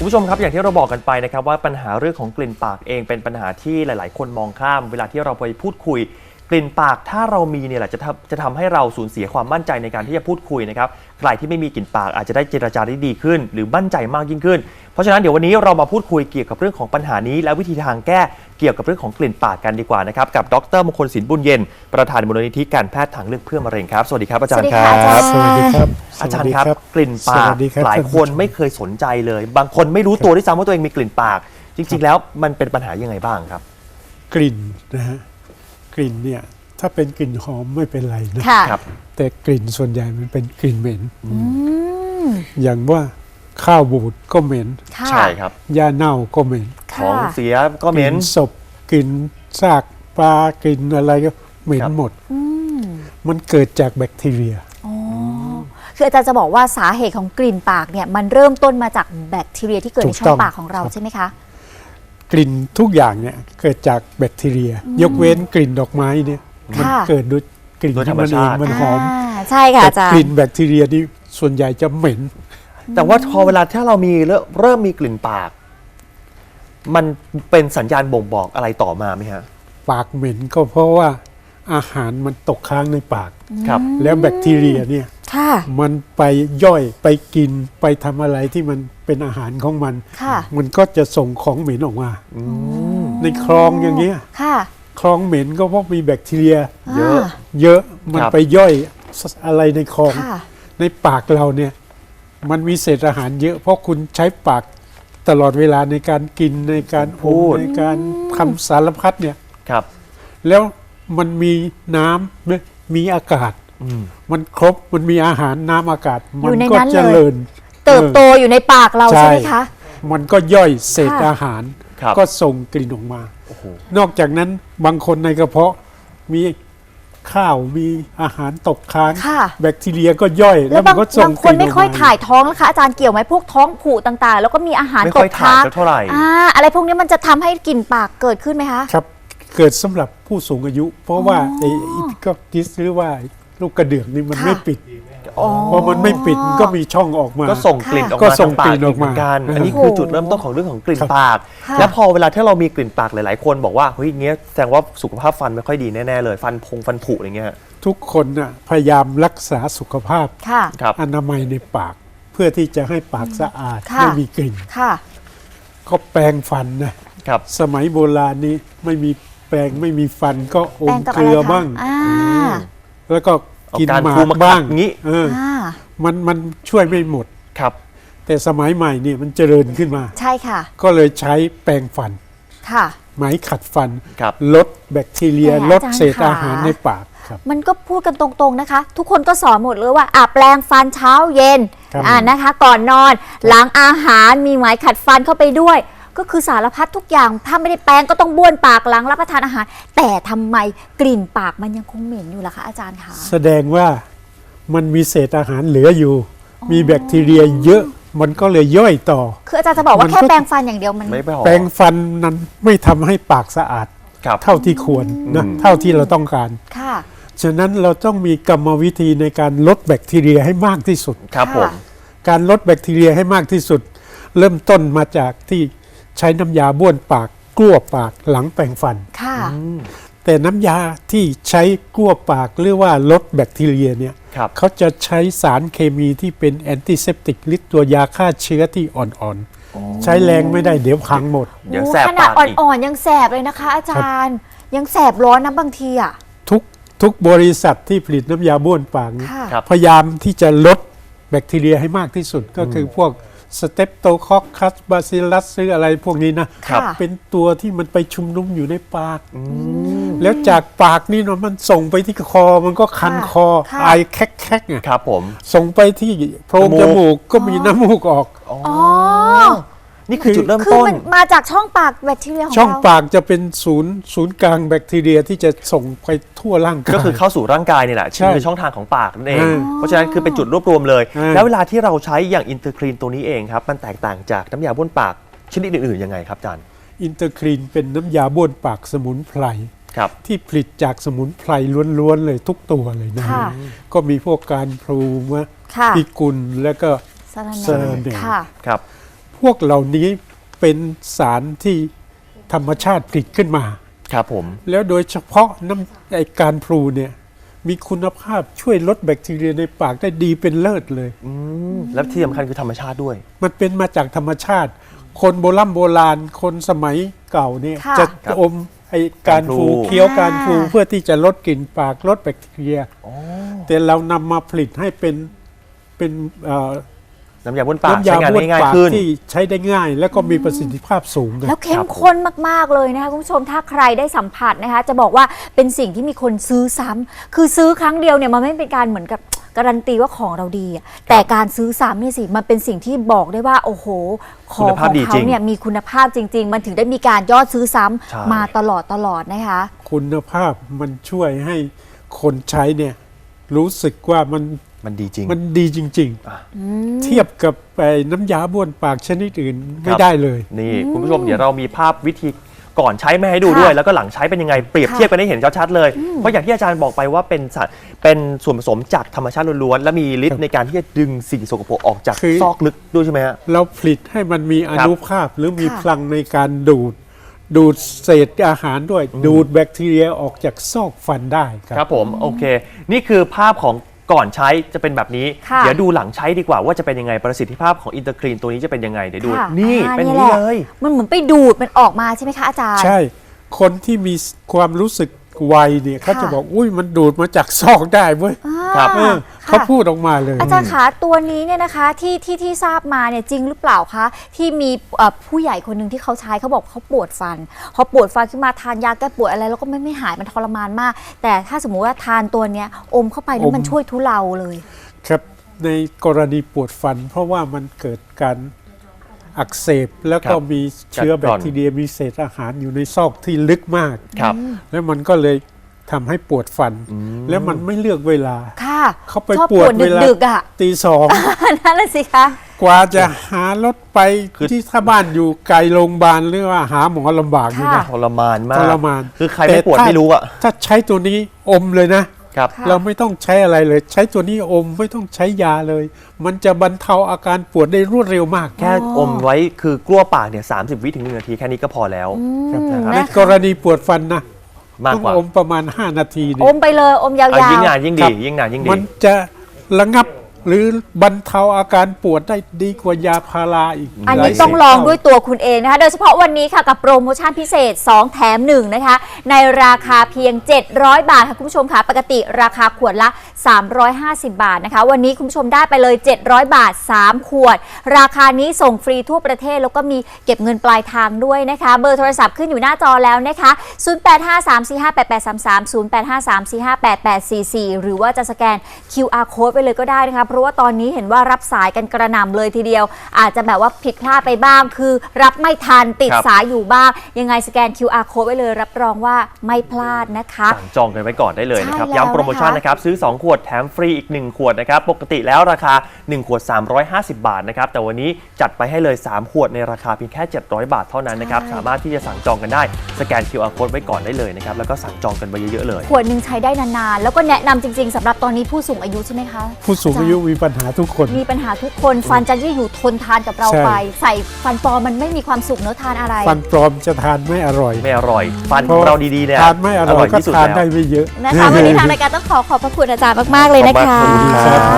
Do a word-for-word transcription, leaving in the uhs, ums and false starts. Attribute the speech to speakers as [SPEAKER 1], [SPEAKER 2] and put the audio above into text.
[SPEAKER 1] คุณผู้ชมครับอย่างที่เราบอกกันไปนะครับว่าปัญหาเรื่องของกลิ่นปากเองเป็นปัญหาที่หลายๆคนมองข้ามเวลาที่เราไปพูดคุยกลิ่นปากถ้าเรามีเนี่ยแหละจะทำจะทำให้เราสูญเสียความมั่นใจในการที่จะพูดคุยนะครับใครที่ไม่มีกลิ่นปากอาจจะได้เจรจาได้ดีขึ้นหรือมั่นใจมากยิ่งขึ้นเพราะฉะนั้นเดี๋ยววันนี้เรามาพูดคุยเกี่ยวกับเรื่องของปัญหานี้และวิธีทางแก้เกี่ยวกับเรื่องของกลิ่นปากกันดีกว่านะครับกับดร.มงคลศิลป์บุญเย็นประธานมูลนิธิการแพทย์ทางเลือกเพื่อมะเร็งครับสวัสดีครับอาจารย์ครับ
[SPEAKER 2] สวัสดีครับ
[SPEAKER 1] อาจารย์ครับกลิ่นปากหลายคนไม่เคยสนใจเลยบางคนไม่รู้ตัวด้วยซ้ำว่าตัวเองมีกลิ่นปากจริงๆแล้วมันเป็นปัญหายังไงบ้างครับ
[SPEAKER 2] กลิ่นนะฮะกลิ่นเนี่ยถ้าเป็นกลิ่นหอมไม่เป็นไรนะครับแต่กลิ่นส่วนใหญ่มันเป็นกลิ่นเหม็นอย่างว่าข้าวบูดก็เหม็น
[SPEAKER 1] ใช่ครับ
[SPEAKER 2] ยาเน่าก็เหม็น
[SPEAKER 1] ของเสียก็เหม็น
[SPEAKER 2] ศพกลิ่นซากปลากลิ่นอะไรก็เหม็นหมดมันเกิดจากแบคทีเรีย
[SPEAKER 3] คืออาจารย์จะบอกว่าสาเหตุของกลิ่นปากเนี่ยมันเริ่มต้นมาจากแบคทีเรียที่เกิดในช่องปากของเราใช่ไหมคะ
[SPEAKER 2] กลิ่นทุกอย่างเนี่ยเกิดจากแบคทีเรียยกเว้นกลิ่นดอกไม้เนี่ยมันเกิดด้วยกลิ่นธรรมชาติมันหอม
[SPEAKER 3] ใช่ค่ะอาจารย์
[SPEAKER 2] กลิ่นแบคทีเรียนี่ส่วนใหญ่จะเหม็น
[SPEAKER 1] แต่ว่าพอเวลาถ้าเรามีเริ่มมีกลิ่นปากมันเป็นสัญญาณบ่งบอกอะไรต่อมาไหมฮะ
[SPEAKER 2] ปากเหม็นก็เพราะว่าอาหารมันตกค้างในปาก
[SPEAKER 1] ครับ
[SPEAKER 2] แล้วแบคทีเรียเนี่ยมันไปย่อยไปกินไปทำอะไรที่มันเป็นอาหารของมันมันก็จะส่งของเหม็นออกมาในคลองอย่างเงี้ยคลองเหม็นก็เพราะมีแบคทีเรียเยอะเยอะมันไปย่อยอะไรในคลองในปากเราเนี่ยมันมีเศษอาหารเยอะเพราะคุณใช้ปากตลอดเวลาในการกินในการพูดในการทำสารพัดเนี่ย
[SPEAKER 1] ครับ
[SPEAKER 2] แล้วมันมีน้ำมีอากาศมันครบมันมีอาหารน้ำอากาศมันก็เจริญ
[SPEAKER 3] เติบโตอยู่ในปากเราใช่ไหมคะ
[SPEAKER 2] มันก็ย่อยเศษอาหารก็ส่งกลิ่นออกมานอกจากนั้นบางคนในกระเพาะมีข้าวมีอาหารตกค้างแบคทีเรียก็ย่อยแล้วมันก็ส่งกลิ่นออกมาบางคน
[SPEAKER 3] ไม่ค่อยถ่ายท้องนะคะอาจารย์เกี่ยวไหมพวกท้องผูกต่างๆแล้วก็มีอาหารตกค้าง
[SPEAKER 1] เท่าไหร่
[SPEAKER 3] อะไรพวกนี้มันจะทำให้กลิ่นปากเกิดขึ้นไหมคะ
[SPEAKER 2] ครับเกิดสำหรับผู้สูงอายุเพราะว่าไอ้ก็กิสหรือว่าลูกกระเดื่องนี่มันไม่ปิดพอมันไม่ปิดก็มีช่องออกมา
[SPEAKER 1] ก็ส่งกลิ่นออกมาทางปากเหมือนกันอันนี้คือจุดเริ่มต้นของเรื่องของกลิ่นปากและพอเวลาที่เรามีกลิ่นปากหลายๆคนบอกว่าเฮ้ยเงี้ยแสดงว่าสุขภาพฟันไม่ค่อยดีแน่ๆเลยฟันพงฟันผุอะไรเงี้ย
[SPEAKER 2] ทุกคนน่ะพยายามรักษาสุขภาพอนามัยในปากเพื่อที่จะให้ปากสะอาดไม่มีกลิ่นก็แปรงฟันนะสมัยโบราณนี้ไม่มีแปรงไม่มีฟันก็อมเกลือบ้างแล้วก็กินหมากบ้าง
[SPEAKER 1] งี้
[SPEAKER 2] เออมันมันช่วยไม่หมด
[SPEAKER 1] ครับ
[SPEAKER 2] แต่สมัยใหม่นี่มันเจริญขึ้นมา
[SPEAKER 3] ใช่ค่ะ
[SPEAKER 2] ก็เลยใช้แปรงฟัน
[SPEAKER 3] ค่ะ
[SPEAKER 2] ไหมขัดฟันลดแบคทีเรียลดเศษอาหารในปาก
[SPEAKER 3] มันก็พูดกันตรงๆนะคะทุกคนก็สอนหมดเลยว่าอ่ะแปรงฟันเช้าเย็นอ่านะคะก่อนนอนหลังอาหารมีไหมขัดฟันเข้าไปด้วยก็คือสารพัดทุกอย่างถ้าไม่ได้แปรงก็ต้องบ้วนปากหลังรับประทานอาหารแต่ทำไมกลิ่นปากมันยังคงเหม็นอยู่ล่ะคะอาจารย์คะ
[SPEAKER 2] แสดงว่ามันมีเศษอาหารเหลืออยู่มีแบคทีเรียเยอะมันก็เลยย่อยต่อ
[SPEAKER 3] คืออาจารย์จะบอกว่าแค่แปรงฟันอย่างเดียวมัน
[SPEAKER 2] ไม่พอแปรงฟันนั้นไม่ทำให้ปากสะอาดเท่าที่ควรนะเท่าที่เราต้องการ
[SPEAKER 3] ค่ะ
[SPEAKER 2] ฉะนั้นเราต้องมีกรรมวิธีในการลดแบคทีเรียให้มากที่สุด
[SPEAKER 1] ครับผม
[SPEAKER 2] การลดแบคทีเรียให้มากที่สุดเริ่มต้นมาจากที่ใช้น้ำยาบ้วนปากกลั้วปากหลังแปรงฟัน
[SPEAKER 3] ค่ะ
[SPEAKER 2] แต่น้ำยาที่ใช้กลั้วปากหรือว่าลดแบคทีเรียเนี่ยเขาจะใช้สารเคมีที่เป็นแอนติเซปติกหรือตัวยาฆ่าเชื้อที่อ่อนๆใช้แรงไม่ได้เดี๋ยวพังหมด
[SPEAKER 1] เดี๋ยวแสบ
[SPEAKER 3] ขนาดอ่อนๆยังแสบเลยนะคะอาจารย์ยังแสบร้อนนะบางทีอ่ะ
[SPEAKER 2] ทุกทุกบริษัทที่ผลิตน้ำยาบ้วนปากพยายามที่จะลดแบคทีเรียให้มากที่สุดก็คือพวกสเตปโตคอคคัสบาซิลลัสหรืออะไรพวกนี้นะเป็นตัวที่มันไปชุมนุมอยู่ในปากแล้วจากปากนี่เนาะมันส่งไปที่คอมันก็คันคอไอแคกๆไง
[SPEAKER 1] ครับผม
[SPEAKER 2] ส่งไปที่โพรงจมูกก็มีน้ำมูกออก
[SPEAKER 3] อ๋อ
[SPEAKER 1] นี่คือจุดเริ่มต้น
[SPEAKER 3] คือมันมาจากช่องปากแบคทีเรียของเรา
[SPEAKER 2] ช่องปากจะเป็นศูนย์ศูนย์กลางแบคทีเรียที่จะส่งไปทั่วร่างกาย
[SPEAKER 1] ก็คือเข้าสู่ร่างกายนี่แหละคือช่องทางของปากนั่นเองเพราะฉะนั้นคือเป็นจุดรวบรวมเลยแล้วเวลาที่เราใช้อย่างอินเตอร์คลีนตัวนี้เองครับมันแตกต่างจากน้ำยาบ้วนปากชนิดอื่นๆยังไงครับอาจารย์
[SPEAKER 2] อินเตอร์คลีนเป็นน้ำยาบ้วนปากสมุนไพรที่ผลิตจากสมุนไพรล้วนๆเลยทุกตัวเลยนะก็มีพวกการพลูมะพิกุลและก็
[SPEAKER 3] เซอร์เน
[SPEAKER 2] ครับพวกเหล่านี้เป็นสารที่ธรรมชาติผลิตขึ้นมา
[SPEAKER 1] ครับผม
[SPEAKER 2] แล้วโดยเฉพาะน้ำไอการพลูเนี่ยมีคุณภาพช่วยลดแบคทีเรียในปากได้ดีเป็นเลิศเลย
[SPEAKER 1] อืมและที่สำคัญคือธรรมชาติด้วย
[SPEAKER 2] มันเป็นมาจากธรรมชาติ คนโบราณโบราณคนสมัยเก่าเนี่ย
[SPEAKER 3] ค่ะ
[SPEAKER 2] จะ
[SPEAKER 1] ครับ
[SPEAKER 2] อมไอการพลู
[SPEAKER 1] การพลู
[SPEAKER 2] เคี้ยวการพลู
[SPEAKER 3] อ่า
[SPEAKER 2] เพื่อที่จะลดกลิ่นปากลดแบคทีเรีย
[SPEAKER 1] อ๋อ
[SPEAKER 2] แต่เรานำมาผลิตให้เป็นเป็นเอ่อ
[SPEAKER 1] น้ำยาบ้วนปาก
[SPEAKER 2] น้ำ
[SPEAKER 1] ใช้
[SPEAKER 2] ยาง
[SPEAKER 1] าน
[SPEAKER 2] บ้วน
[SPEAKER 1] ได้ง่าย
[SPEAKER 2] ปาก
[SPEAKER 1] ขึ้น
[SPEAKER 2] ที่ใช้ได้ง่าย แล้วก็มีประสิทธิภาพสูงนะ
[SPEAKER 3] แล้วเข้มข้นมาก ๆ เลยนะคะคุณผู้ชมถ้าใครได้สัมผัสนะคะจะบอกว่าเป็นสิ่งที่มีคนซื้อซ้ำคือซื้อครั้งเดียวเนี่ยมันไม่เป็นการเหมือนกับการันตีว่าของเราดีอะแต่การซื้อซ้ำเนี่ยสิมันเป็นสิ่งที่บอกได้ว่าโอ้โหของ
[SPEAKER 1] คุณ
[SPEAKER 3] ข
[SPEAKER 1] ภาพ
[SPEAKER 3] อง
[SPEAKER 1] ดี
[SPEAKER 3] เขา
[SPEAKER 1] จริง
[SPEAKER 3] เนี่ยมีคุณภาพจริง ๆ มันถึงได้มีการยอดซื้อซ้ำ
[SPEAKER 1] ใช่
[SPEAKER 3] มาตลอดตลอดนะคะ
[SPEAKER 2] คุณภาพมันช่วยให้คนใช้เนี่ยรู้สึกว่ามัน
[SPEAKER 1] มันดีจริง
[SPEAKER 2] มันดีจริง ๆ เทียบกับไอ้น้ำยาบ้วนปากชนิดอื่นไม่ได้เลย
[SPEAKER 1] นี่คุณผู้ชมเดี๋ยวเรามีภาพวิธีก่อนใช้มาให้ดูด้วย แล้วก็หลังใช้เป็นยังไงเปรียบเทียบกันให้เห็นชัดๆเลย เพราะอย่างที่อาจารย์บอกไปว่าเป็นสารเป็นส่วนผสมจากธรรมชาติล้วนๆและมีฤทธิ์ในการที่จะดึงสิ่งสกปรกออกจาก
[SPEAKER 2] คือ
[SPEAKER 1] ซอกลึกด้วยใช่ไหมฮะ
[SPEAKER 2] เราผลิตให้มันมีอนุภาพหรือมี
[SPEAKER 3] ค่ะ
[SPEAKER 2] พลังในการดูด ดูดเศษอาหารด้วย ดูดแบคทีเรียออกจากซอกฟันได้ค
[SPEAKER 1] ค
[SPEAKER 2] รั
[SPEAKER 1] รับ บผมโอเค นี่คือภาพของก่อนใช้จะเป็นแบบนี้
[SPEAKER 3] ค่ะ
[SPEAKER 1] เดี๋ยวดูหลังใช้ดีกว่าว่าจะเป็นยังไงประสิทธิภาพของอินเตอร์คลีนตัวนี้จะเป็นยังไงเดี๋ยวดู
[SPEAKER 3] ค่ะ
[SPEAKER 1] นี่
[SPEAKER 3] อ่า
[SPEAKER 1] เป็นอย่าง
[SPEAKER 3] แห
[SPEAKER 1] นี้
[SPEAKER 3] ละ
[SPEAKER 1] เลย
[SPEAKER 3] มันเหมือนไปดูดมันออกมาใช่ไหมคะอาจารย์
[SPEAKER 2] ใช่ คนที่มีความรู้สึกไวเนี่ยเขา
[SPEAKER 3] ค่ะ
[SPEAKER 2] จะบอกอุ้ยมันดูดมาจากซอกได้เว้ย
[SPEAKER 1] ครับ
[SPEAKER 2] เออ
[SPEAKER 3] ค่ะ
[SPEAKER 2] เขาพูดออกมาเลย
[SPEAKER 3] อาจารย์คะตัวนี้เนี่ยนะคะที่ที่ที่ทราบมาเนี่ยจริงหรือเปล่าคะที่มีเอ่อผู้ใหญ่คนหนึ่งที่เขาใช้เขาบอกเขาปวดฟันพอปวดฟันขึ้นมาทานยาแก้ปวดอะไรแล้วก็ไม่ไม่หายมันทรมานมาก แต่ถ้าสมมุติว่าทานตัวเนี้ยอมเข้าไปแล้วมัน
[SPEAKER 2] อม
[SPEAKER 3] ช่วยทุเลาเลย
[SPEAKER 2] ครับในกรณีปวดฟัน เพราะว่ามันเกิดการอักเสบแล้วก็
[SPEAKER 1] ครับ
[SPEAKER 2] มีเชื้อ
[SPEAKER 1] กัด
[SPEAKER 2] แบ
[SPEAKER 1] กร่
[SPEAKER 2] ค
[SPEAKER 1] อน
[SPEAKER 2] ทีเรียมีเศษอาหารอยู่ในซอกที่ลึกมาก
[SPEAKER 1] ครับ
[SPEAKER 2] แล้วมันก็เลยทำให้ปวดฟัน แล้วมันไม่เลือกเวลา
[SPEAKER 3] ค่ะ
[SPEAKER 2] เขาไป
[SPEAKER 3] ชอบ
[SPEAKER 2] ปวดเวลา
[SPEAKER 3] ดึกๆอ่ะ
[SPEAKER 2] ตีสอง
[SPEAKER 3] นั่นแหละสิคะ
[SPEAKER 2] กว่าจะหารถไป
[SPEAKER 1] คือ
[SPEAKER 2] ที่ถ้าบ้านอยู่ไกลโรงพยาบาลหรือว่าหาหมอลำบากอยู่
[SPEAKER 3] ค่ะ
[SPEAKER 2] นะ
[SPEAKER 1] ทรมานมาก
[SPEAKER 2] ทรมาน
[SPEAKER 1] คือใครไม่ปวด
[SPEAKER 2] แต่ถ้า
[SPEAKER 1] ไม่รู้อะ
[SPEAKER 2] ถ้าใช้ตัวนี้อมเลยนะ
[SPEAKER 1] ครับ
[SPEAKER 3] ค่ะ
[SPEAKER 2] เราไม่ต้องใช้อะไรเลย ใช้ตัวนี้อมไม่ต้องใช้ยาเลย มันจะบรรเทาอาการปวดได้รวดเร็วมาก
[SPEAKER 1] แค่อมไว้คือกลั้วปากเนี่ยสามสิบวิถึงหนึ่งนาทีแค่นี้ก็พอแล้ว
[SPEAKER 2] ครับ
[SPEAKER 1] นะค
[SPEAKER 2] ใน
[SPEAKER 1] รับ
[SPEAKER 2] กรณีปวดฟันนะ
[SPEAKER 1] มาก
[SPEAKER 2] ต้อง
[SPEAKER 1] กว่า
[SPEAKER 2] อมประมาณ ห้า นาทีเนี่
[SPEAKER 3] อย มไปเลยอมยาว
[SPEAKER 1] เอายิ่งนาน
[SPEAKER 3] ๆ
[SPEAKER 1] ยิ่ง
[SPEAKER 2] ครั
[SPEAKER 1] ดี
[SPEAKER 2] บ
[SPEAKER 1] ยิ่งนานยิ่งดี
[SPEAKER 2] มันจะระงับหรือบรรเทาอาการปวดได้ดีกว่ายาพาราอีก
[SPEAKER 3] อัน
[SPEAKER 2] ห
[SPEAKER 3] นี้
[SPEAKER 2] ลาย
[SPEAKER 3] ต้อง
[SPEAKER 2] สิบ
[SPEAKER 3] ลอง
[SPEAKER 2] เท่า
[SPEAKER 3] ด้วยตัวคุณเองนะคะ โดยเฉพาะวันนี้ค่ะกับโปรโมชั่นพิเศษ สอง แถม หนึ่ง นะคะ ในราคาเพียง เจ็ดร้อย บาทค่ะคุณผู้ชมค่ะ ปกติราคาขวดละ สามร้อยห้าสิบ บาทนะคะ วันนี้คุณผู้ชมได้ไปเลย เจ็ดร้อย บาท สาม ขวด ราคานี้ส่งฟรีทั่วประเทศแล้วก็มีเก็บเงินปลายทางด้วยนะคะ เบอร์โทรศัพท์ขึ้นอยู่หน้าจอแล้วนะคะ ศูนย์ แปด ห้า สาม สี่ ห้า แปด แปด สาม สาม ศูนย์ แปด ห้า สาม สี่ ห้า แปด แปด สี่ สี่ หรือว่าจะสแกน คิว อาร์ Code ไปเลยก็ได้นะคะ เพราะว่าตอนนี้เห็นว่ารับสายกันกระหน่ำเลยทีเดียว อาจจะแบบว่าผิดพลาดไปบ้าง คือรับไม่ทันติด
[SPEAKER 1] ครับ
[SPEAKER 3] สายอยู่บ้าง ยังไงสแกน คิว อาร์ Code ไว้เลยรับรองว่าไม่พลาดนะคะ
[SPEAKER 1] สั่งจองกันไว้ก่อนได้เลยนะครับ
[SPEAKER 3] ใช่แล้ว
[SPEAKER 1] ย้ำโปรโมชั่นนะครับ ซื้อ สอง ขวดแถมฟรีอีก หนึ่ง ขวดนะครับ ปกติแล้วราคา หนึ่ง ขวด สามร้อยห้าสิบ บาทนะครับ แต่วันนี้จัดไปให้เลย สาม ขวดในราคาเพียงแค่ เจ็ดร้อย บาทเท่านั้นนะครับ
[SPEAKER 3] ใช่
[SPEAKER 1] สามารถที่จะสั่งจองกันได้ สแกน คิว อาร์ Code ไว้ก่อนได้เลยนะครับ แล้วก็สั่งจองกันไปเยอะๆเลย
[SPEAKER 3] ขวดหนึ่งใช้ได้นานๆ แล้วก็แนะนำจริงๆสำหรับตอนนี้ผู้สูงอายุใช่ไหมคะ
[SPEAKER 2] ผู้สูงอายุมีปัญหาทุกคน
[SPEAKER 3] มีปัญหาทุกคนฟันจะยืดอยู่ทนทานกับเรา
[SPEAKER 2] ใช่
[SPEAKER 3] ไป ใส่ฟันปลอมมันไม่มีความสุขเนอะทานอะไร
[SPEAKER 2] ฟันปลอมจะทานไม่อร่อย
[SPEAKER 1] ไม่อร่อย ฟันของเราดีๆเนี่ย
[SPEAKER 2] ทานไม่อร่อยก็
[SPEAKER 1] ที่สุด
[SPEAKER 2] ทาน
[SPEAKER 1] แล้ว
[SPEAKER 2] ได้ไม่เยอะ
[SPEAKER 3] นะคะวันนี้ทางรายการต้องขอขอบพระคุณอาจารย์มากๆเลยนะคะ
[SPEAKER 1] ขอบคุณครับ